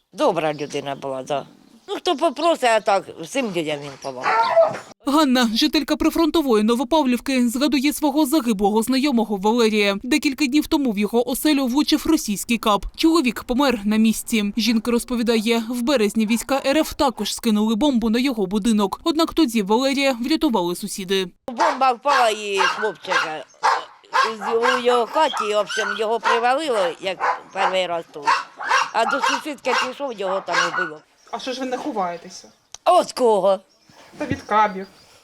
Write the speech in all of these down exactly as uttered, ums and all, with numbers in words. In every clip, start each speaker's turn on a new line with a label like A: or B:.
A: Добра людина була, так. Ну, хто попросить, а так, всім людям він помагав.
B: Ганна, жителька прифронтової Новопавлівки, згадує свого загиблого знайомого Валерія. Декілька днів тому в його оселю влучив російський кап. Чоловік помер на місці. Жінка розповідає, в березні війська РФ також скинули бомбу на його будинок. Однак тоді Валерія врятували сусіди.
A: Бомба впала і хлопчика у його хаті, в общем, його привалило, як перший раз тут. А до сусідки пішов, його там убило.
C: А що ж ви не ховаєтеся?
A: А от кого?
C: Та від кабів.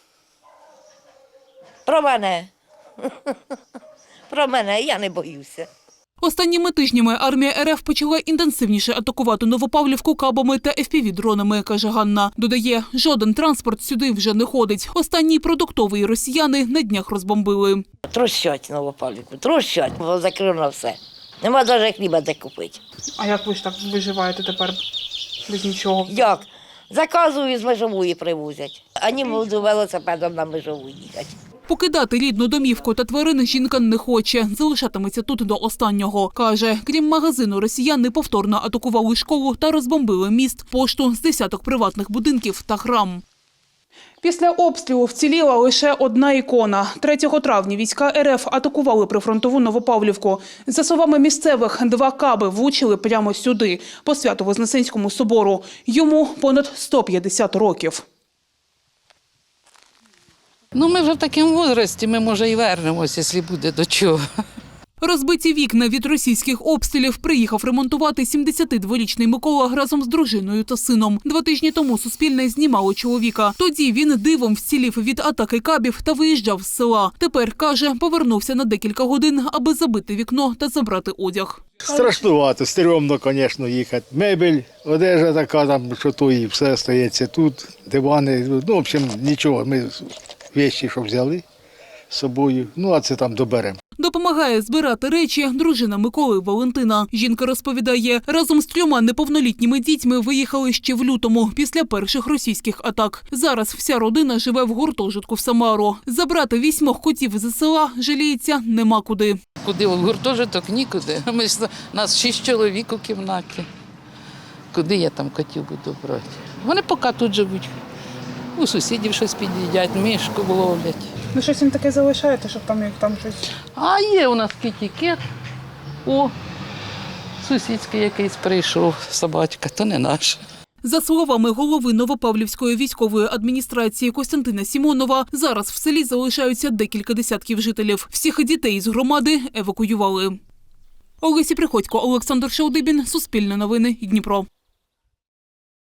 A: Про мене. Про мене, я не боюся.
B: Останніми тижнями армія РФ почала інтенсивніше атакувати Новопавлівку кабами та еф пі ві-дронами, каже Ганна. Додає, жоден транспорт сюди вже не ходить. Останній продуктовий росіяни на днях розбомбили.
A: Трощать Новопавлівку, трощать, бо закрито все. Нема навіть хліба де купити.
C: А як ви ж так виживаєте тепер без нічого?
A: Як? Заказую, з Межової привозять. А ні, буду велосипедом на Межову їхати.
B: Покидати рідну домівку та тварин жінка не хоче. Залишатиметься тут до останнього. Каже, крім магазину, росіяни повторно атакували школу та розбомбили міст, пошту, з десяток приватних будинків та храм.
C: Після обстрілу вціліла лише одна ікона. третього травня війська РФ атакували прифронтову Новопавлівку. За словами місцевих, два каби влучили прямо сюди, по Свято-Вознесенському собору. Йому понад сто п'ятдесят років.
D: Ну, ми вже в такому віці, ми, може, і вернемося, якщо буде до чого.
B: Розбиті вікна від російських обстрілів приїхав ремонтувати сімдесятидворічний Микола разом з дружиною та сином. Два тижні тому Суспільне знімало чоловіка. Тоді він дивом вцілів від атаки кабів та виїжджав з села. Тепер, каже, повернувся на декілька годин, аби забити вікно та забрати одяг.
E: Страшнувато, стрьомно, звісно, їхати. Мебель, одежа така, там, що то і все стається тут, дивани. Ну, в общем, нічого, ми речі, що взяли з собою, ну, а це там доберемо.
B: Допомагає збирати речі дружина Миколи Валентина. Жінка розповідає, разом з трьома неповнолітніми дітьми виїхали ще в лютому, після перших російських атак. Зараз вся родина живе в гуртожитку в Самару. Забрати вісьмох котів з села, жаліється, нема куди.
D: Куди в гуртожиток? Нікуди. Ми ж, нас шість чоловік у кімнаті. Куди я там котів буду брати? Вони поки тут живуть. У сусідів щось під'їдять, мишку ловлять.
C: Ви щось їм таке залишаєте, щоб там, там щось...
D: А є у нас кітікет. О, сусідський якийсь прийшов, собачка, то не наш.
B: За словами голови Новопавлівської військової адміністрації Костянтина Сімонова, зараз в селі залишаються декілька десятків жителів. Всіх дітей з громади евакуювали. Олеся Приходько, Олександр Шалдибін, Суспільне новини, Дніпро.